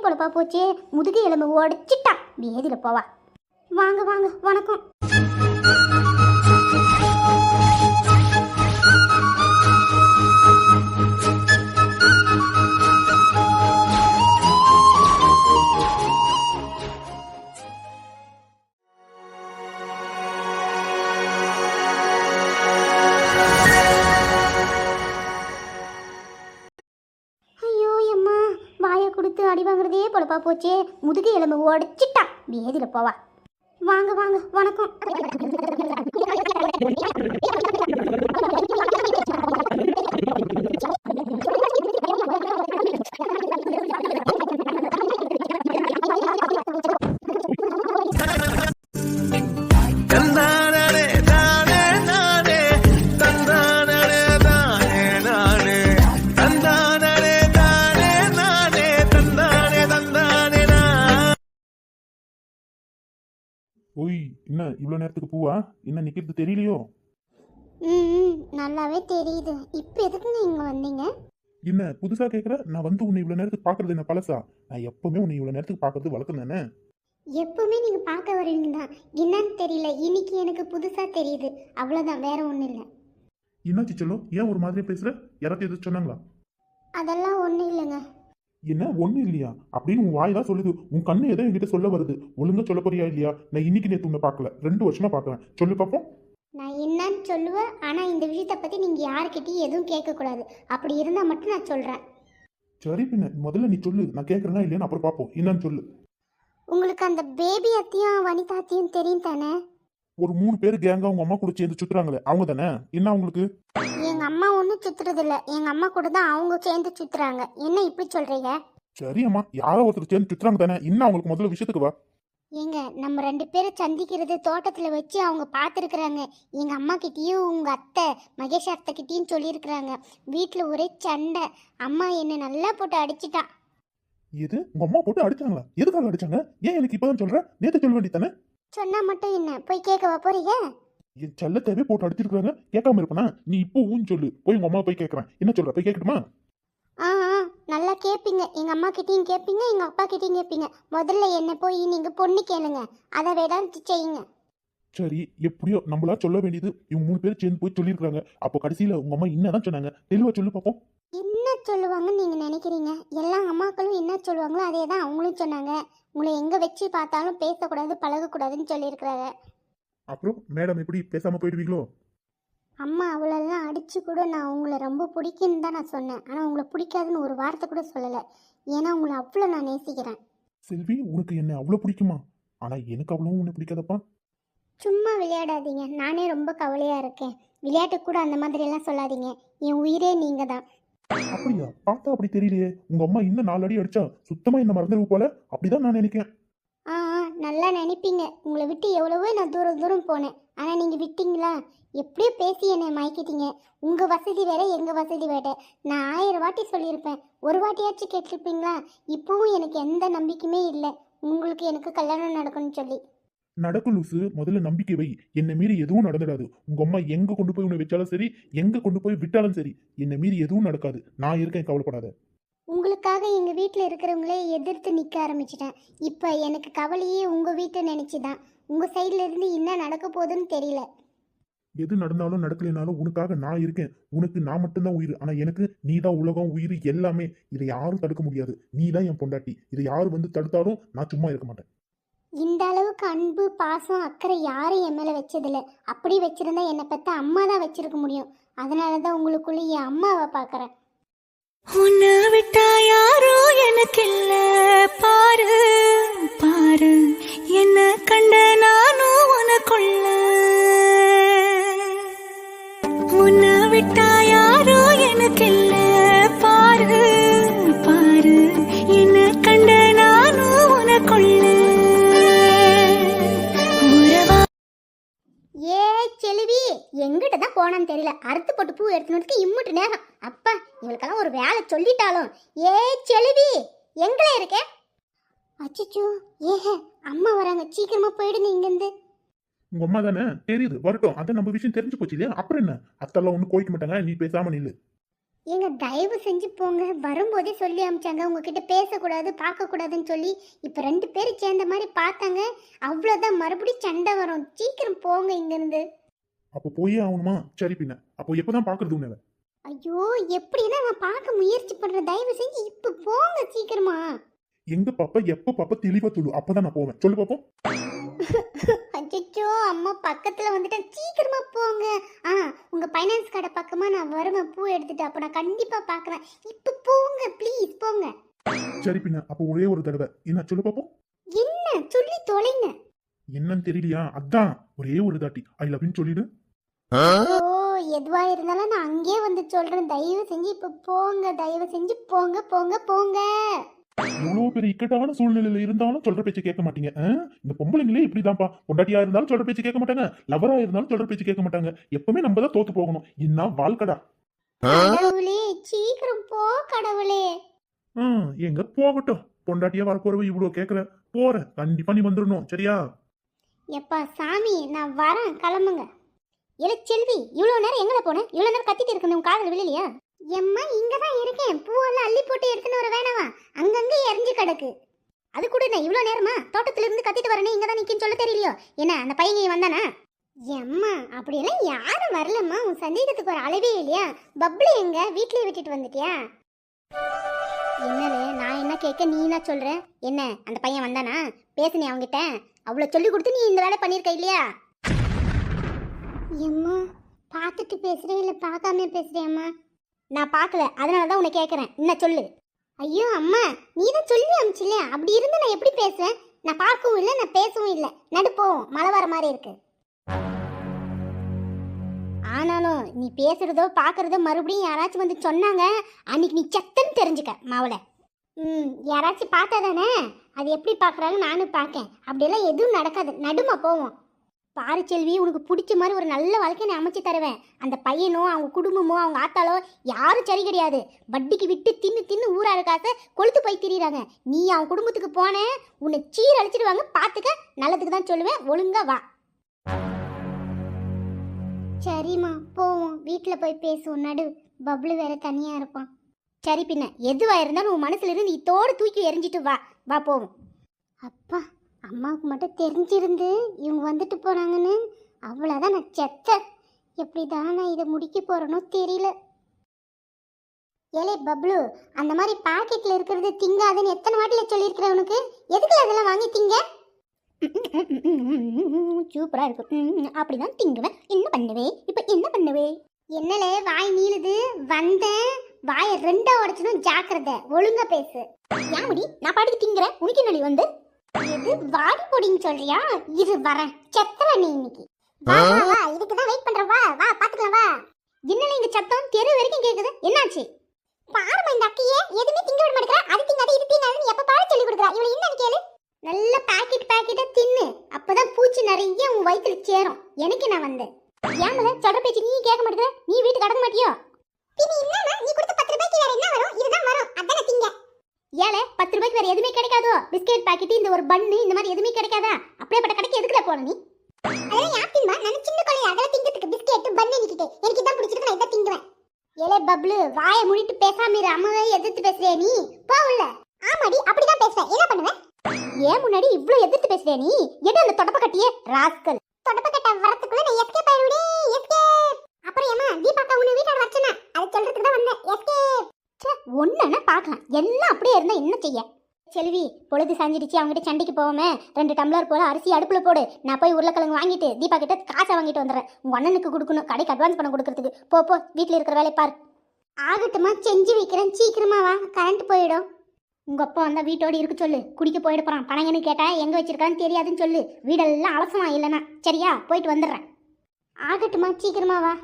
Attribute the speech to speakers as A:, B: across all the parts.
A: பொழப்பா போச்சே. முதுகு எலும்பு உடச்சிட்டான். வேதியில போவா. வாங்க வாங்க, வணக்கம். அடி வாங்குறதே பொழப்பா போச்சே. முதுகு எலும்பு உடச்சிட்டான். வேதியில போவா. வாங்க வாங்க, வணக்கம்.
B: ஓய், என்ன இவ்வளோ நேரத்துக்கு பூவா? என்ன நிற்கிறது தெரியலையோ?
A: நல்லாவே தெரியுது. இப்போ எதுக்கு நீங்க வந்தீங்க?
B: என்ன புதுசா கேட்குற? நான் வந்து உன்னை இவ்வளோ நேரத்துக்கு பார்க்கறது என்ன பழசா? நான் எப்பவுமே உன்னை இவ்வளோ நேரத்துக்கு பார்க்கறது வழக்கம் தானே.
A: எப்பவுமே நீங்க பார்க்க வரீங்க தான். என்னன்னு தெரியல, இன்னைக்கு எனக்கு புதுசா தெரியுது. அவ்வளோதான், வேற ஒன்றும் இல்லை.
B: என்னாச்சு சொல்லு? ஏன் ஒரு மாதிரி பேசுற? யாராச்சும் எதுவும் சொன்னாங்களா?
A: அதெல்லாம் ஒன்றும் இல்லைங்க.
B: என்ன ஒன்றும் இல்லையா அப்படின்னு உன் வாய் தான் சொல்லுது. உன் கண்ணு எதோ என்கிட்ட சொல்ல வருது. ஒழுங்கா சொல்ல போறியா இல்லையா? நான் இன்னைக்கு நேற்று உன்னை பார்க்கல, 2 வருஷமா பார்க்குறேன். சொல்லு பார்ப்போம்.
A: நான் என்னன்னு சொல்லுவேன், ஆனால் இந்த விஷயத்தை பற்றி நீங்கள் யாருக்கிட்டையும் எதுவும் கேட்கக்கூடாது. அப்படி இருந்தால் மட்டும் நான் சொல்கிறேன்.
B: சரி, பின்ன முதல்ல நீ சொல்லு. நான் கேட்குறேன்னா இல்லையான்னு அப்புறம் பார்ப்போம். என்னன்னு சொல்லு.
A: உங்களுக்கு அந்த பேபி அத்தையும் வனிதா அத்தையும் தெரியும் தானே?
B: ஒரு 3 பேர் கேங்கா உங்க அம்மா கூட சேர்ந்து சுத்துறாங்களே, அவங்க தானே? என்ன அவங்களுக்கு?
A: எங்க அம்மா ஒன்றும் சுத்துறது இல்லை. எங்க அம்மா கூட தான் அவங்க சேர்ந்து சுத்துறாங்க. என்ன இப்படி சொல்றீங்க?
B: சரி அம்மா, யாரோ ஒருத்தர் சேர்ந்து சுத்துறாங்க தானே. இன்னும் அவங்களுக்கு முதல்ல விஷயத்துக்கு வா.
A: ஏங்க, நம்ம 2 பேரும் சந்திக்கிறது தோட்டத்தில் வச்சு அவங்க பார்த்துருக்குறாங்க. எங்கள் அம்மா கிட்டேயும் உங்கள் அத்தை மகேஷ் அத்தை கிட்டேயும் சொல்லியிருக்கிறாங்க. வீட்டில் ஒரே சண்டை. அம்மா என்னை நல்லா போட்டு அடிச்சிட்டா.
B: எது? உங்க அம்மா போட்டு அடிச்சாங்களா? எதுக்காக அடிச்சாங்க? ஏன் எனக்கு இப்பதான் சொல்ற? நேத்து சொல்ல வேண்டியதானே?
A: சொன்னா மட்டும் என்ன, போய் கேட்கவா போறீங்க?
B: என் செல்லத்தேவே போட்டு அடிச்சிருக்காங்க, கேட்காம இருப்பனா? நீ இப்போ ஊன்னு சொல்லு. போய் உங்க அம்மா போய் கேட்கறேன். என்ன சொல்ற? போய் கேட்கட்டுமா?
A: ஆ நல்லா கேட்பீங்க. எங்கள் அம்மா கிட்டேயும் கேட்பீங்க, எங்கள் அப்பா கிட்டேயும் கேட்பீங்க. முதல்ல என்ன போய் நீங்கள் பொண்ணு கேளுங்க, அதை வேடான்னு செய்யுங்க.
B: சரி, எப்படியோ நம்மளா சொல்ல வேண்டியது இவங்க 3 பேர் சேர்ந்து போய் சொல்லியிருக்காங்க. அப்போ கடைசியில உங்க அம்மா என்னதான் சொன்னாங்க? தெளிவா சொல்லு பாப்போம்.
A: என்ன சொல்லுவாங்கன்னு நீங்கள் நினைக்கிறீங்க? எல்லா அம்மாக்களும் என்ன சொல்லுவாங்களோ அதே தான் அவங்களும் சொன்னாங்க. உங்களை எங்கே வச்சு பார்த்தாலும் பேசக்கூடாது, பழகக்கூடாதுன்னு சொல்லியிருக்கிறாங்க.
B: அப்புறம் மேடம் எப்படி பேசாம போயிடுவீங்களோ?
A: அம்மா அவளெல்லாம் அடித்து கூட நான் உங்களை ரொம்ப பிடிக்குன்னு தான் நான் சொன்னேன். ஆனால் உங்களை பிடிக்காதுன்னு ஒரு வார்த்தை கூட சொல்லலை. ஏன்னா உங்களை அவ்வளோ நான் நேசிக்கிறேன்.
B: செல்வி, உனக்கு என்ன அவ்வளோ பிடிக்குமா? ஆனா எனக்கு அவ்வளோ உன்னை பிடிக்காதப்பா.
A: சும்மா விளையாடாதீங்க. நானே ரொம்ப கவலையாக இருக்கேன். விளையாட்டு கூட அந்த மாதிரியெல்லாம் சொல்லாதீங்க. என் உயிரே நீங்கள் தான்.
B: அப்படியா? பார்த்தா அப்படி தெரியலையே. உங்க அம்மா இன்னும் 4 அடி அடிச்சா சுத்தமா என்ன மறந்துடுவோம் போல. அப்படிதான் நான் நினைக்கிறேன்.
A: நல்லா நினைப்பீங்க. உங்களை விட்டு எவ்வளவோ நான் தூரம் தூரம் போனேன். ஆனால் நீங்கள் விட்டீங்களா? எப்படியோ பேசி என்னை மயக்கிட்டீங்க. உங்கள் வசதி வேற, எங்கள் வசதி வேற. நான் 1000 வாட்டி சொல்லியிருப்பேன், ஒரு வாட்டியாச்சும் கேட்டிருப்பீங்களா? இப்போவும் எனக்கு எந்த நம்பிக்கையுமே இல்லை உங்களுக்கு எனக்கு கல்யாணம் நடக்கும்னு சொல்லி.
B: நடக்கும் லூசு. முதல்ல நம்பிக்கை வை. என்னை மீறி எதுவும் நடந்துடாது. உங்க அம்மா எங்க கொண்டு போய் உன்னை வச்சாலும் சரி, எங்க கொண்டு போய் விட்டாலும் சரி, என்னை மீறி எதுவும் நடக்காது. நான் இருக்கேன், கவலைப்படாத.
A: உங்களுக்காக எங்கள் வீட்டில் இருக்கிறவங்களே எதிர்த்து நிற்க ஆரம்பிச்சிட்டேன். இப்போ எனக்கு கவலையே உங்கள் வீட்டை நினச்சி தான். உங்கள் சைடில் இருந்து என்ன நடக்க போகுதுன்னு தெரியல.
B: எது நடந்தாலும் நடக்கலைனாலும் உனக்காக நான் இருக்கேன். உனக்கு நான் மட்டும்தான் உயிர். ஆனா எனக்கு நீ தான் உலகம், உயிர் எல்லாமே. இதை யாரும் தடுக்க முடியாது. நீ தான் என் பொண்டாட்டி. இதை யாரும் வந்து தடுத்தாலும் நான் சும்மா இருக்க மாட்டேன்.
A: இந்த அளவுக்கு அன்பு, பாசம், அக்கறை யாரும் என் மேலே வச்சதில்லை. அப்படி வச்சிருந்தா என்னை பற்றி அம்மா தான் வச்சிருக்க முடியும். அதனால தான் உங்களுக்குள்ள என் அம்மாவை பார்க்குறேன்.
C: உன்னை விட்டா யாரோ எனக்கு இல்ல, பாரு பாரு என்ன கண்ட நானும் உனக்குள்ள. உன்னை விட்டா யாரோ எனக்கு இல்ல, பாரு பாரு என்ன கண்ட நானும் உனக்குள்ள.
A: ஏ செல்வி, எங்கிட்ட தான் போனான்னு தெரியல. அறுத்து போட்டு பூ எடுத்துனதுக்கு இம்முட்டு நேரம். அப்பா, இவளுக்கெல்லாம் ஒரு வேலை சொல்லிட்டாலும். ஏ செல்வி, எங்களே இருக்க? அச்சோ, அம்மா வராங்க, சீக்கிரமா போயிடுங்க இங்கிருந்து.
B: உங்க அம்மா தானே? தெரியுது, வரட்டும். அதான் நம்ம விஷயம் தெரிஞ்சு போச்சு இல்லையா? அப்புறம் என்ன? அத்தெல்லாம் ஒன்றும் கோயிக்க மாட்டாங்க. நீ பேசாம நில்லு.
A: ஏங்க தயவு செஞ்சு போங்க. வரும்போதே சொல்லி அமிச்சாங்க உங்ககிட்ட பேசக்கூடாது பார்க்கக்கூடாதுன்னு சொல்லி. இப்போ 2 பேரும் சேர்ந்த மாதிரி பார்த்தாங்க. அவ்வளோதான், மறுபடியும் சண்டை வரும். சீக்கிரம் போங்க இங்கேருந்து.
B: அப்போ போயே ஆகணுமா? சரி பின்ன அப்போ எப்பதான் பாக்குறது உன்னை?
A: ஐயோ, எப்படின்னா நான் பார்க்க முயற்சி பண்ணுறேன். தயவு செஞ்சு இப்போ போங்க சீக்கிரமா.
B: எங்க பாப்பா எப்ப பாப்பா தெளிவா சொல்லு, அப்பதான் நான் போவேன். சொல்லு பாப்போம்.
A: அச்சோ, அம்மா பக்கத்துல வந்துட்டேன். சீக்கிரமா போங்க. உங்க ஃபைனான்ஸ் கடை பக்கமா நான் வருவேன் பூ எடுத்துட்டு. அப்ப நான் கண்டிப்பா பார்க்கறேன். இப்ப போங்க ப்ளீஸ், போங்க.
B: சரி பின்ன அப்போ ஒரே ஒரு தடவை என்ன சொல்லு பாப்போம்.
A: என்ன சொல்லி தொலைங்க.
B: என்னன்னு தெரியலையா? அதான் ஒரே ஒரு தாட்டி ஐ லவ் யூ சொல்லிடு.
A: ஓ, எதுவா இருந்தாலும் நான் அங்கேயே வந்து சொல்றேன். தயவு செஞ்சு இப்ப போங்க. தயவு செஞ்சு போங்க போங்க போங்க.
B: எவ்வளவு பெரிய இக்கட்டான சூழ்நிலையில இருந்தாலும் சொல்ற பேச்சு கேட்க மாட்டீங்க. இந்த பொம்பளைங்களே இப்படிதான்ப்பா. பொண்டாட்டியா இருந்தாலும் சொல்ற பேச்சு கேட்க மாட்டாங்க, லவரா இருந்தாலும் சொல்ற பேச்சு கேட்க மாட்டாங்க. எப்பவுமே நம்ம தான் தோத்து போகணும். என்ன வாழ்க்கடா.
A: கடவுளே, சீக்கிரம் போ கடவுளே.
B: எங்க போகட்டும். பொண்டாட்டியா வரப்போறவ இவ்வளவு கேக்குற. போற கண்டிப்பா நீ வந்துடணும். சரியா?
A: எப்பா சாமி, நான் வரேன், கிளம்புங்க. இல்ல செல்வி, இவ்வளோ நேரம் எங்கே போனேன்? இவ்வளோ நேரம் கத்திட்டு இருக்கணும், உன் காதில் விழலையா? எம்மா, இங்கே தான் இருக்கேன். பூவெல்லாம் அள்ளி போட்டு எடுத்துன்னு வர வேணாவா? அங்கங்கே எரிஞ்சு கிடக்கு. அது கூட என்ன இவ்வளோ நேரமா? தோட்டத்துல இருந்து கத்திட்டு வரனே, இங்கே தான் நிற்கின்னு சொல்ல தெரியலையோ? என்ன அந்த பையன் வந்தானா? எம்மா, அப்படியெல்லாம் யாரும் வரலம்மா. உன் சந்தேகத்துக்கு ஒரு அளவே இல்லையா? பப்ளு எங்க? வீட்லயே விட்டுட்டு வந்துட்டியா? என்னது, நான் என்ன கேட்க நீ என்ன சொல்ற? என்ன அந்த பையன் வந்தானா? பேசுனே அவங்கிட்ட. அவ்வளோ சொல்லி கொடுத்து நீ இந்த வேலை பண்ணியிருக்க இல்லையா? எம்மா, பார்த்துட்டு பேசுறேன் இல்லை பார்க்காம பேசுறியம்மா? நான் பார்க்கல, அதனால தான் உன்னை கேட்குறேன். என்ன சொல்லு. ஐயோ அம்மா, நீ தான் சொல்லி அமிச்சில்ல. அப்படி இருந்து நான் எப்படி பேசுவேன்? நான் பார்க்கவும் இல்லை, நான் பேசவும் இல்லை. நடுப்போம், மழை வர மாதிரி இருக்கு. ஆனாலும் நீ பேசுறதோ பார்க்கறதோ மறுபடியும் யாராச்சும் வந்து சொன்னாங்க, அன்னைக்கு நீ செத்தன்னு தெரிஞ்சுக்க மாவளை. யாராச்சும் பார்த்தா தானே அது எப்படி பார்க்குறாங்க, நானும் பார்க்கேன். அப்படியெல்லாம் எதுவும் நடக்காது. நடுமா போவோம். பாரு செல்வி, உனக்கு பிடிச்ச மாதிரி ஒரு நல்ல வாழ்க்கையை நான் அமைச்சு தருவேன். அந்த பையனோ அவங்க குடும்பமோ அவங்க ஆத்தாலோ யாரும் சரி கிடையாது. வட்டிக்கு விட்டு தின்னு தின்னு ஊராரு காசை கொளுத்து போய் திரியிறாங்க. நீ அவன் குடும்பத்துக்கு போன உன்னை சீர் அழிச்சிடுவாங்க. பார்த்துக்க, நல்லதுக்கு தான் சொல்லுவேன். ஒழுங்கா வா. சரிம்மா, போவோம். வீட்டில் போய் பேசுவோம். நடு, பப்ளு வேற தனியாக இருப்பான். சரி பின்ன எதுவாக இருந்தாலும் உன் மனசுல இருந்து இதோடு தூக்கி எரிஞ்சிட்டு வா. வா போவோம். அப்பா, அம்மாவுக்கு மட்டும் தெரிஞ்சிருந்து இவங்க வந்துட்டு போனாங்கன்னு அவ்வளோதான், நான் செத்தேன். எப்படி தான் நான் இதை முடிக்க போகிறேனோ தெரியல. ஏலே பப்ளு, அந்த மாதிரி பாக்கெட்டில் இருக்கிறது திங்காதுன்னு எத்தனை வாட்டில் சொல்லியிருக்கிறேன் உனக்கு? எதுக்குல அதெல்லாம் வாங்கி திங்க? சூப்பராக இருக்கும், அப்படிதான் திங்குவேன். என்ன பண்ணுவே இப்போ? என்ன பண்ணுவே? என்னலே வாய் நீளுது? வந்தேன், வாயை 2ஆ உடைச்சணும். ஜாக்கிரதை, ஒழுங்கா பேசு. ஏன் முடி, நான் பாட்டுக்கு திங்குறேன், உனக்கு என்னடி வந்து? எது வாடி போடின்னு சொல்றியா? இரு வரேன். செத்தல நீ இன்னைக்கு. வா வா, இதுக்கு தான் வெயிட் பண்றேன். வா வா, பாத்துக்கலாம் வா. என்னல இந்த சத்தம் தெரு வரைக்கும் கேக்குது? என்னாச்சு? பாருமா, இந்த அக்கையே எதுவுமே திங்க விட மாட்டேங்கிறா. அது திங்காது இது திங்காதுன்னு எப்ப பாரு சொல்லி கொடுக்குறா. இவள என்னன்னு கேளு. நல்ல பாக்கெட்டா தின்னு, அப்பதான் பூச்சி நிறைய உன் வயிற்றுல சேரும். எனக்கு நான் வந்தேன். ஏன்ல சொல்ற பேச்சு நீ கேட்க மாட்டேங்கிற? நீ வீட்டுக்கு கடக்க மாட்டியோ? பின்ன என்னன்னா, நீ கொடுத்த 10 ரூபாய்க்கு வேற என்ன வரும்? இதுதான் வரும், அதானே திங்க. ஏலே 10 ரூபாய்க்கு வேற எதுவுமே கிடைக்காதோ? பிஸ்கெட் பாக்கெட், இந்த ஒரு பன்னு, இந்த மாதிரி எதுவுமே கிடைக்காதா? அப்படியேப்பட்ட கடைக்கு எதுக்குல போன நீ? அதெல்லாம் யாத்திமா, நான் சின்ன குழந்தை, அதெல்லாம் திங்கிறதுக்கு பிஸ்கெட் பன்னு நிக்கிட்டே. எனக்கு இதான் பிடிச்சிருக்கு, நான் இதான் திங்குவேன். ஏலே பப்ளு, வாயை மூடிட்டு பேசாம இரு. அம்மாவே எதிர்த்து பேசுறியா நீ? போ உள்ள. ஆமாடி, அப்படிதான் பேசுவேன். என்ன பண்ணுவேன்? ஏன் முன்னாடி இவ்ளோ எதிர்த்து பேசுறியா நீ? எது அந்த தொடப்ப கட்டியே ராஸ்கல்? தொடப்ப கட்ட வரதுக்குள்ள நான் எஸ்கேப் ஆயிடுவே. எஸ்கேப். அப்புறம் ஏமா தீபாக்கா உன்னை வீட்டாட வச்சனா? அது சொல்றதுக்கு தான் வந்தேன். எஸ்கேப். ஒண்ணுன்னா பார்க்கலாம், எல்லாம் அப்படியே இருந்தா என்ன செய்ய? செல்வி, பொழுது சாஞ்சிடுச்சு. அவங்ககிட்ட சண்டைக்கு போகாம 2 டம்ளர் போல அரிசி அடுப்புல போடு. நான் போய் உருளைக்கிழங்கு வாங்கிட்டு தீபா கிட்ட காசை வாங்கிட்டு வந்துடுறேன். உங்க அண்ணனுக்கு கொடுக்கணும், கடைக்கு அட்வான்ஸ் பணம் கொடுக்கறதுக்கு. போ போ, வீட்டில் இருக்கிற வேலையை பார். ஆகட்டுமா, செஞ்சு வைக்கிறேன். சீக்கிரமா வா, கரண்ட் போயிடும். உங்க அப்பா வந்தா வீட்டோடு இருக்க சொல்லு. குடிக்க போயிட்டு போறான். பணங்கன்னு கேட்டா எங்க வச்சிருக்கான்னு தெரியாதுன்னு சொல்லு. வீடெல்லாம் அவசரமா இல்லைனா சரியா? போயிட்டு வந்துடுறேன். ஆகட்டுமா, சீக்கிரமா வா.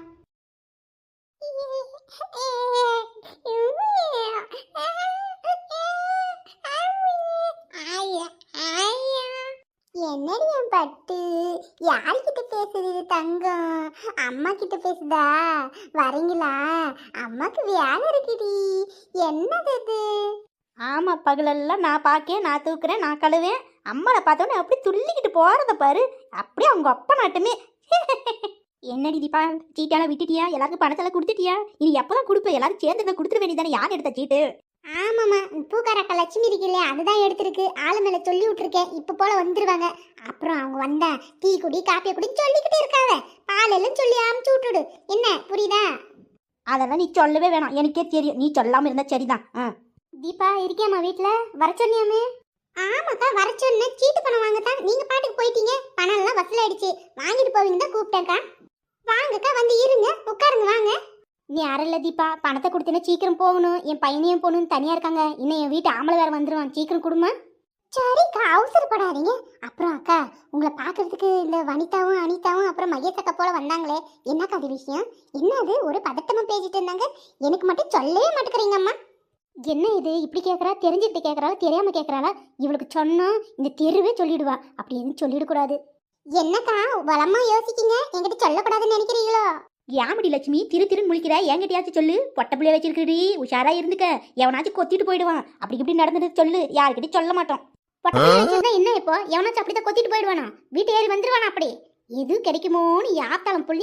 A: என்னடி என் பட்டு, யார்கிட்ட பேசுது தங்கம்? அம்மா கிட்ட பேசுதா? வரீங்களா? அம்மாக்கு வேலை இருக்குடி. என்னது இது?
D: ஆமா, பகலெல்லாம் நான் பார்க்கேன், நான் தூக்குறேன், நான் கழுவேன். அம்மாவை பார்த்தோன்னே அப்படி துள்ளிக்கிட்டு போறத பாரு. அப்படியே அவங்க அப்பா நாட்டுமே. என்னடி தீபா, சீட்டெல்லாம் விட்டுட்டியா? எல்லாருக்கும் பணத்தெல்லாம் கொடுத்துட்டியா? இனி எப்பதான் கொடுப்ப? எல்லாரும் சேர்ந்து கொடுத்துட வேண்டியதானே. யார் எடுத்த சீட்டு?
A: ஆமாம்மா, பூக்காரக்கா லட்சுமி இருக்குல்ல, அதுதான் எடுத்திருக்கு. ஆளு மேலே சொல்லி விட்டுருக்கேன், இப்போ போல வந்துருவாங்க. அப்புறம் அவங்க வந்தா டீ குடி காப்பியை குடி சொல்லிக்கிட்டே இருக்காத. பால் எல்லாம் சொல்லி அமுச்சு விட்டுடு. என்ன புரியுதா?
D: அதெல்லாம் நீ சொல்லவே வேணாம், எனக்கே தெரியும். நீ சொல்லாம இருந்தா சரிதான்.
A: தீபா இருக்கியாம்மா வீட்டில்? வர சொன்னியாமே? ஆமாக்கா வர சொன்னேன். சீட்டு பணம் வாங்கத்தான் நீங்க பாட்டுக்கு போயிட்டீங்க. பணம் எல்லாம் வசூல் ஆயிடுச்சு. வாங்கிட்டு போவீங்க தான் கூப்பிட்டேன்க்கா. வாங்கக்கா, வந்து இருங்க, உட்காருங்க, வாங்க.
D: நீ அறல தீபா, பணத்தை கொடுத்தேன்னா சீக்கிரம் போகணும். என் பையனையும் போகணும்னு தனியா இருக்காங்க. இன்னும் என் வீட்டு ஆம்பளை வேற வந்துருவான். சீக்கிரம் கொடுமா.
A: சரிக்கா, அவசரப்படாதீங்க. அப்புறம் அக்கா, உங்களை பார்க்கறதுக்கு இந்த வனிதாவும் அனிதாவும் அப்புறம் மகேஷ் அக்கா போல வந்தாங்களே, என்னக்கா அது விஷயம்? என்னது ஒரு பதட்டமா பேசிட்டு இருந்தாங்க? எனக்கு மட்டும் சொல்லவே மாட்டேங்கிறீங்கம்மா.
D: என்ன இது இப்படி கேட்கறா? தெரிஞ்சுக்கிட்டு கேட்கறாளா தெரியாம கேட்கறாளா? இவளுக்கு சொன்னா இந்த தெருவே சொல்லிடுவா. அப்படி எதுவும் சொல்லிடக்கூடாது.
A: என்னக்கா வளமா யோசிக்கீங்க? என்கிட்ட சொல்லக்கூடாதுன்னு நினைக்கிறீங்களோ?
D: ஏமடி லட்சுமி திரு திருன்னு முழிக்கிற? என்கிட்டயாச்சும் சொல்லு. பொட்ட பிள்ளைய வச்சிருக்கடி, உஷாரா இருந்துக்க. எவனாச்சும் கொத்திட்டு போயிடுவான். அப்படி இப்படி நடந்துட்டு சொல்லு. யாருக்கிட்டையும் சொல்ல மாட்டோம். பொட்ட பிள்ளைய வச்சிருந்தா என்ன இப்போ? எவனாச்சும் அப்படிதான் கொத்திட்டு போயிடுவானா? வீட்டு ஏறி வந்துருவானா? அப்படி எது கிடைக்குமோன்னு யாத்தாளம் புள்ளி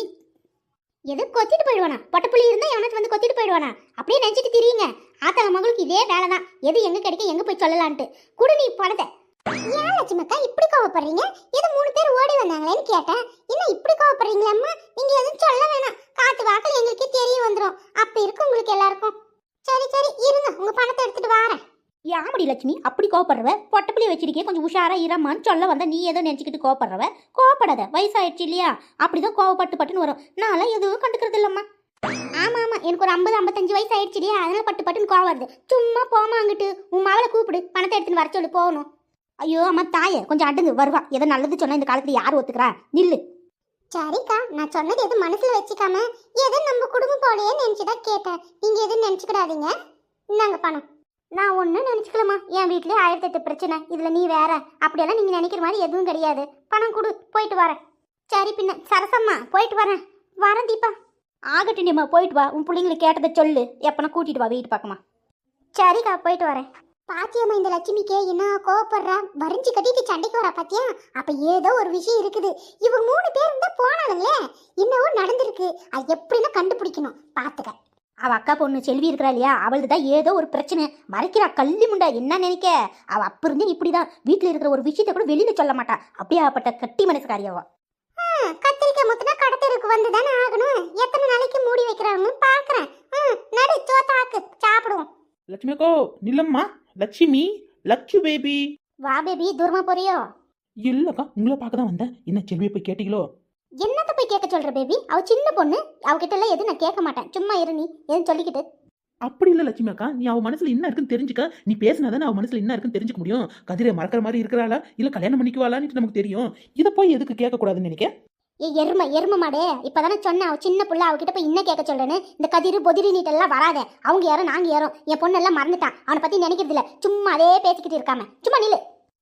D: எது கொத்திட்டு போயிடுவானா? பொட்ட புள்ளி இருந்தா எவனாச்சும் வந்து கொத்திட்டு போயிடுவானா? அப்படியே நினைச்சிட்டு திரியுங்க. ஆத்தாள மகளுக்கு இதே வேலை தான். எது எங்க கிடைக்க எங்க போய் சொல்லலான்ட்டு. குடு நீ பணத்தை.
A: ஏன் லட்சுமக்கா இப்படி கோவப்படுறீங்க? ஏதோ 3 பேர் ஓடி வந்தாங்களேன்னு கேட்டேன். என்ன இப்படி கோவப்படுறீங்களா? நீங்க எதுவும் சொல்ல வேணாம். காத்து வாக்கில் எங்களுக்கே தெரிய வந்துடும். அப்ப இருக்கு உங்களுக்கு எல்லாருக்கும். சரி சரி இருங்க, உங்க பணத்தை எடுத்துட்டு வாரேன்.
D: யாமடி லட்சுமி அப்படி கோவப்படுறவ? பொட்ட பிள்ளைய வச்சிருக்கே, கொஞ்சம் உஷாரா இரமான்னு சொல்ல வந்தா நீ ஏதோ நினைச்சுக்கிட்டு கோவப்படுறவ. கோவப்படாத, வயசாயிடுச்சு இல்லையா? அப்படிதான் கோவப்பட்டு பட்டுன்னு வரும். நான்லாம் எதுவும் கண்டுக்கிறது இல்லம்மா.
A: ஆமா ஆமா, எனக்கு ஒரு 50-55 வயசு ஆயிடுச்சுடியா, அதனால பட்டுன்னு கோவம் வருது. சும்மா போமா அங்கிட்டு. உன் மகளை கூப்பிடு, பணத்தை எடுத்துன்னு வர சொல்லி போகணும்.
D: ஐயோ அம்மா தாயே, கொஞ்சம் அடுந்து வருவா. ஏதோ நல்லது சொன்னா இந்த காலத்துல யார் ஒத்துக்கிறா? நில்லு.
A: சரிக்கா, நான் சொன்னது எதுவும் மனசுல வச்சுக்காம ஏதோ நம்ம குடும்பம் போலயே நினைச்சுதான் கேட்டேன். நீங்க எதுவும் நினைச்சுக்கிடாதீங்க. இந்தாங்க பணம்.
D: நான் ஒன்றும் நினச்சிக்கலம்மா. என் வீட்லேயே 1008 பிரச்சனை. இதில் நீ வேற. அப்படியெல்லாம் நீங்கள் நினைக்கிற மாதிரி எதுவும் கிடையாது. பணம் கொடு, போயிட்டு வரேன். சரி பின்ன சரசம்மா, போயிட்டு வரேன். வரேன் தீபா. ஆகட்டும்மா, போயிட்டு வா. உன் பிள்ளைங்களை கேட்டதை சொல்லு. எப்பனா கூட்டிட்டு வா வீட்டு பக்கமா.
A: சரிக்கா, போயிட்டு வரேன். பாத்தியம்மா, இந்த லட்சுமிக்கே என்ன கோவப்படுறா? வரிஞ்சு கட்டிட்டு சண்டைக்கு வரா பாத்தியா? அப்ப ஏதோ ஒரு விஷயம் இருக்குது. இவங்க 3 பேர் இருந்தா போனாலுங்களே, என்னவோ நடந்திருக்கு. அது எப்படின்னா கண்டுபிடிக்கணும். பாத்துக்க.
D: அவ அக்கா பொண்ணு செல்வி இருக்கிறா இல்லையா, அவளுக்கு தான் ஏதோ ஒரு பிரச்சனை. மறைக்கிறா கள்ளி முண்டா. என்ன நினைக்க? அவ அப்ப இருந்து இப்படிதான். வீட்டுல இருக்கிற ஒரு விஷயத்த கூட வெளியில சொல்ல மாட்டா. அப்படியாப்பட்ட கட்டி மனசுக்காரியவா.
A: கத்திரிக்காய் முத்தினா கடத்தருக்கு வந்துதானே ஆகணும். எத்தனை நாளைக்கு மூடி வைக்கிறாங்கன்னு பாக்குறேன். நடு சோத்தாக்கு சாப்பிடுவோம்.
E: லட்சுமி அக்கோ நில்லம்மா. லட்சுமி, லட்சு பேபி.
D: வா பேபி, தூரமா போறியோ?
E: இல்லக்கா, உங்களை பார்க்க தான் வந்தேன். என்ன செல்வியை போய் கேட்டீங்களோ?
D: என்னத்த போய் கேட்க சொல்ற பேபி? அவ சின்ன பொண்ணு. அவகிட்ட எல்லாம் எதுவும் நான் கேட்க மாட்டேன். சும்மா இரு நீ எதுவும் சொல்லிக்கிட்டு.
E: அப்படி இல்லை லட்சுமி அக்கா, நீ அவ மனசுல என்ன இருக்குன்னு தெரிஞ்சுக்க. நீ பேசினாதானே அவ மனசுல என்ன இருக்குன்னு தெரிஞ்சுக்க முடியும். கதிரை மறக்கிற மாதிரி இருக்கிறாளா இல்ல கல்யாணம் பண்ணிக்குவாளான்னு நமக்கு தெரியும். இதை போய் எதுக்கு கேட்க கூடாதுன்னு நினைக்க?
D: ஏ எருமை மாடே, இப்பதானே சொன்னேன் அவ சின்ன புள்ள. அவகிட்ட போய் இன்னும் கேட்க சொல்றேன்னு. இந்த கதிரு பொதிரி நீட்டெல்லாம் வராத. அவங்க யாரும் நாங்க யாரும். என் பொண்ணு எல்லாம் மறந்துட்டான். அவனை பத்தி நினைக்கிறது இல்ல. சும்மா அதே பேசிக்கிட்டு இருக்காம சும்மா நில்லு.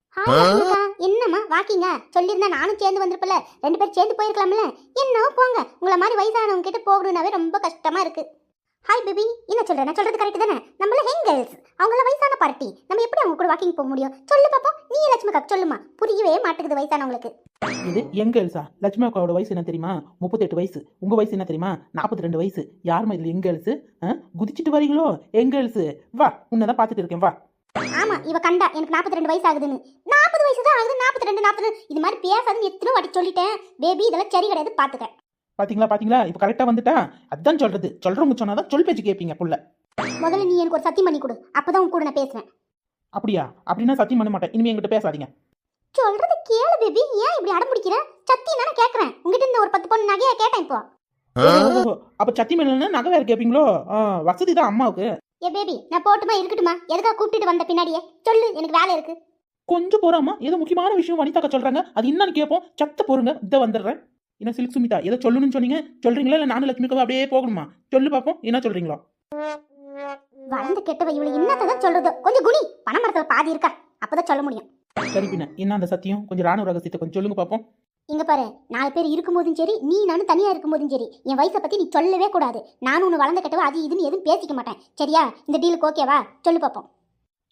D: என்னம்மா வாக்கிங்க சொல்லியிருந்தா நானும் சேர்ந்து வந்திருப்பல. 2 பேரும் சேர்ந்து போயிருக்கலாம்ல. என்னவோ போங்க. உங்களை மாதிரி வயசானவங்க கிட்ட போகணும்னாவே ரொம்ப கஷ்டமா இருக்கு. ஹாய் பேபி, என்ன சொல்றேன்? நான் சொல்றது கரெக்ட் தானே? நம்மள யங் கேர்ள்ஸ், அவங்கள வயசான பார்ட்டி. நம்ம எப்படி அவங்க கூட வாக்கிங் போக முடியும்? சொல்லு பாப்போம். நீ லட்சுமி அக்கா சொல்லுமா. புரியவே மாட்டேங்குது வயசானவங்களுக்கு.
E: இது எங்க கேர்ள்ஸா? லட்சுமி அக்காவோட வயசு என்ன தெரியுமா? 38 வயசு. உங்க வயசு என்ன தெரியுமா? 42 வயசு. யாருமா இதுல எங்க கேர்ள்ஸ்? குதிச்சிட்டு வரீங்களோ எங்க கேர்ள்ஸ்? வா, உன்னதான் பாத்துட்டு இருக்கேன், வா.
D: ஆமா, இவ கண்டா எனக்கு 42 வயசு ஆகுதுன்னு. 40 வயசு தான் ஆகுது. 42 இது மாதிரி பேசாதுன்னு எத்தனை வாட்டி சொல்லிட்டேன் பேபி. இதெல்லாம் சரி கிடையாது, பாத்துக்க.
E: பாத்தீங்களா இப்ப கரெக்டா வந்துட்டா. அதான் சொல்றது. சொல்றவங்க சொன்னாதான் சொல் பேச்சு கேட்பீங்க புள்ள.
D: முதல்ல நீ எனக்கு ஒரு சத்தியம் பண்ணி கொடு. அப்பதான் உன் கூட நான் பேசுவேன்.
E: அப்படியா? அப்படின்னா சத்தியம் பண்ண மாட்டேன். இனிமே என்கிட்ட பேசாதீங்க.
D: சொல்றது கேளு பேபி. ஏன் இப்படி அடம் பிடிக்கிற? சத்தியம் தானே கேட்கறேன். உங்ககிட்ட இந்த ஒரு 10 பொண்ணு நகையா கேட்டேன் இப்போ.
E: அப்ப சத்தியம் இல்லைன்னா நகை வேற கேட்பீங்களோ? வசதி தான் அம்மாவுக்கு.
D: ஏ பேபி, நான் போட்டுமா இருக்கட்டுமா? எதுக்காக கூப்பிட்டு வந்த பின்னாடியே சொல்லு. எனக்கு வேலை இருக்கு.
E: கொஞ்சம் போறாமா? ஏதோ முக்கியமான விஷயம் வனிதாக்கா சொல்றாங்க. அது என்னன்னு கேட்போம். சத்த போருங்க, இதை வந்துடுறேன். என்ன சில்க் சுமிதா, ஏதோ சொல்லணும்னு சொன்னீங்க. சொல்றீங்களா இல்ல நானும் லட்சுமிக்காவை அப்படியே போகணுமா? சொல்லு பாப்போம், என்ன சொல்றீங்களா?
D: வளர்ந்து கெட்டவ இவளு என்னத்தான் சொல்றது? கொஞ்சம் குனி. பண மரத்துல பாதி இருக்கா, அப்பதான் சொல்ல முடியும்.
E: சரி பின்ன என்ன அந்த சத்தியம்? கொஞ்சம் ராணுவ ரகசியத்தை கொஞ்சம் சொல்லுங்க பாப்போம்.
D: இங்க பாரு, 4 பேர் இருக்கும்போதும் சரி, நீ நானும் தனியா இருக்கும்போதும் சரி, என் வயசை பத்தி நீ சொல்லவே கூடாது. நானும் உன்னை வளர்ந்த கெட்டவா அது இதுன்னு எதுவும் பேசிக்க மாட்டேன். சரியா? இந்த டீலுக்கு ஓகேவா? சொல்லு பாப்போம்.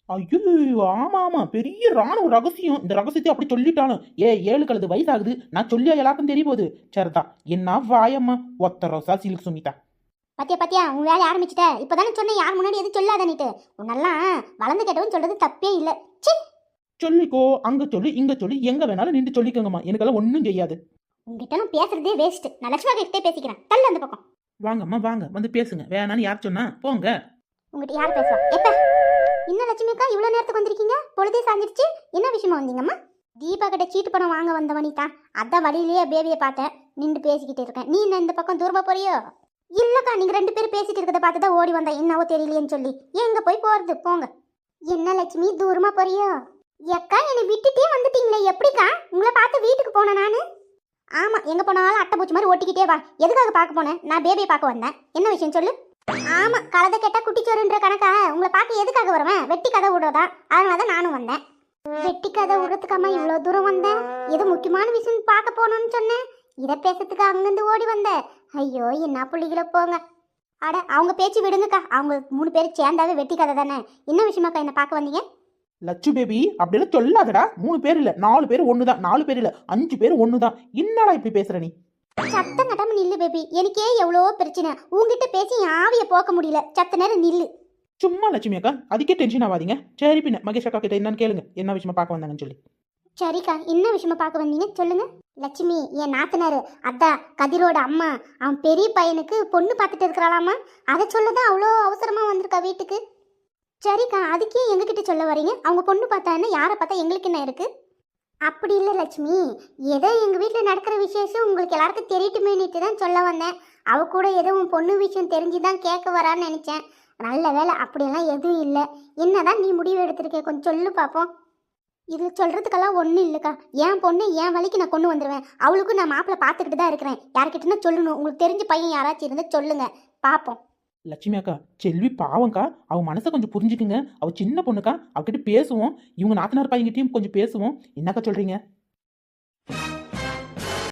E: ஐயோ ஆமா ஆமா பெரிய ராணுவ ரகசியம். இந்த ரகசியத்தை அப்படி சொல்லிட்டாலும் 7 கழுது வயசாகுது, நான் சொல்லியா எல்லாருக்கும் தெரிய போகுது. சரிதா, என்ன வாயம்மா ஒத்த ரோசா சில்க் சுமிதா.
D: பாத்தியா பாத்தியா உன் வேலையை ஆரம்பிச்சிட்ட. இப்பதானே சொன்னேன் யார் முன்னாடி எதுவும் சொல்லாத நீட்டு. உன்னெல்லாம் வளர்ந்து கேட்டவன் சொல்றது தப்பே இல்லை. சி,
E: சொல்லிக்கோ, அங்க சொல்லி இங்க சொல்லி எங்க வேணாலும் நின்று சொல்லிக்கோங்கம்மா, எனக்கெல்லாம் ஒன்றும் செய்யாது.
D: உங்ககிட்ட நான் பேசுறதே வேஸ்ட். நான் லட்சுமா கிட்டே பேசிக்கிறேன். தள்ளு அந்த பக்கம்.
E: வாங்கம்மா வாங்க, வந்து பேசுங்க. வேணான்னு யார் சொன்னா? போங்க.
D: உங்ககிட்ட யார் பேசுவா? எப்ப இன்னும் லட்சுமிக்கா இவ்வளோ நேரத்துக்கு வந்திருக்கீங்க? பொழுதே சாஞ்சிருச்சு. என்ன விஷயமா வந்தீங்கம்மா? தீபா கிட்ட சீட்டு பணம் வாங்க வந்த வனிதா. அதான் வழியிலேயே பேபியை பார்த்தேன், நின்று பேசிக்கிட்டு இருக்கேன். நீ என்ன இந்த பக்கம் தூரமா போறியோ? இல்லக்கா, நீங்க 2 பேரும் பேசிட்டு இருக்கிறத பார்த்து தான் ஓடி வந்தேன். என்னவோ தெரியலையேன்னு சொல்லி. எங்க போய் போறது? போங்க. என்ன லட்சுமி தூரமா போறியோ? எக்கா என்னை விட்டுட்டே வந்துட்டீங்களே, எப்படிக்கா? உங்களை பார்த்து வீட்டுக்கு போனேன் நானு. ஆமா, எங்க போனாலும் அட்டை பூச்சி மாதிரி ஒட்டிக்கிட்டே வா. எதுக்காக பார்க்க போனேன்? நான் பேபியை பார்க்க வந்தேன். என்ன விஷயம் சொல்லு. ஆமா, கலதை கேட்டா குட்டிச்சோறுன்ற கணக்கா உங்களை பார்க்க எதுக்காக வருவேன்? வெட்டி கதை விடுறதா? அதனாலதான் நானும் வந்தேன். வெட்டி கதை விடுறதுக்காமா இவ்வளோ தூரம் வந்தேன்? ஏதோ முக்கியமான விஷயம் பார்க்க போகணும்னு சொன்னேன். இதை பேசுறதுக்கு அங்கிருந்து ஓடி வந்தேன். ஐயோ, என்ன புள்ளிகளை போங்க. அட, அவங்க பேச்சு விடுங்கக்கா. அவங்க 3 பேர் சேர்ந்தாவே வெட்டி கதை தானே. என்ன விஷயமாக்கா என்ன பார்க்க வந்தீங்க?
E: லட்சு பேபி அப்படியெல்லாம் சொல்லாதடா. 3 பேர் இல்ல 4 பேர் ஒண்ணுதான். 4 பேர் இல்ல 5 பேர் ஒண்ணுதான். என்னடா இப்படி பேசுற நீ?
D: சத்தம் கட்டாம நில்லு பேபி. எனக்கே எவ்வளோ பிரச்சனை. உங்ககிட்ட பேசி என் ஆவியை போக்க முடியல. சத்த நேரம் நில்லு.
E: சும்மா லட்சுமி அக்கா, அதுக்கே டென்ஷன் ஆகாதீங்க. சரி, பின்ன மகேஷ் அக்கா கிட்ட என்னன்னு கேளுங்க, என்ன விஷயமா பார்க்க வந்தாங்கன்னு சொல்லி.
D: சரிக்கா, என்ன விஷயமா பார்க்க வந்தீங்க சொல்லுங்க. லட்சுமி என் நாத்தனாரு, அதான் கதிரோட அம்மா, அவன் பெரிய பையனுக்கு பொண்ணு பார்த்துட்டு இருக்கிறாளாமா. அதை சொல்லதான் அவ்வளோ அவசரமா வந்திருக்கா வீட்டுக்கு. சரிக்கா, அதுக்கே எங்ககிட்ட சொல்ல வரீங்க? அவங்க பொண்ணு பார்த்தா என்ன, யாரை பார்த்தா எங்களுக்கு என்ன இருக்கு? அப்படி இல்லை லட்சுமி, ஏதோ எங்கள் வீட்டில் நடக்கிற விசேஷம் உங்களுக்கு எல்லாருக்கும் தெரியட்டுமேனிட்டு தான் சொல்ல வந்தேன். அவ கூட ஏதோ உன் பொண்ணு விஷயம் தெரிஞ்சு தான் கேட்க வரான்னு நினச்சேன். நல்ல வேலை, அப்படியெல்லாம் எதுவும் இல்லை. என்னதான் நீ முடிவு எடுத்திருக்க, கொஞ்சம் சொல்லு பார்ப்போம். இதில் சொல்கிறதுக்கெல்லாம் ஒன்றும் இல்லைக்கா. என் பொண்ணு என் வழிக்கு நான் கொண்டு வந்துடுவேன். அவளுக்கும் நான் மாப்பிள்ளை பார்த்துக்கிட்டு தான் இருக்கிறேன். யார்கிட்டனா சொல்லணும். உங்களுக்கு தெரிஞ்ச பையன் யாராச்சும் இருந்தால் சொல்லுங்க, பார்ப்போம்.
E: லட்சுமி அக்கா, செல்வி பாவம்க்கா, அவ மனசை கொஞ்சம் புரிஞ்சுக்குங்க. அவ சின்ன பொண்ணுக்கா, அவகிட்ட பேசுவோம். இவங்க நாத்தனார் பையன்கிட்டயும் கொஞ்சம் பேசுவோம். என்னக்கா சொல்றீங்க?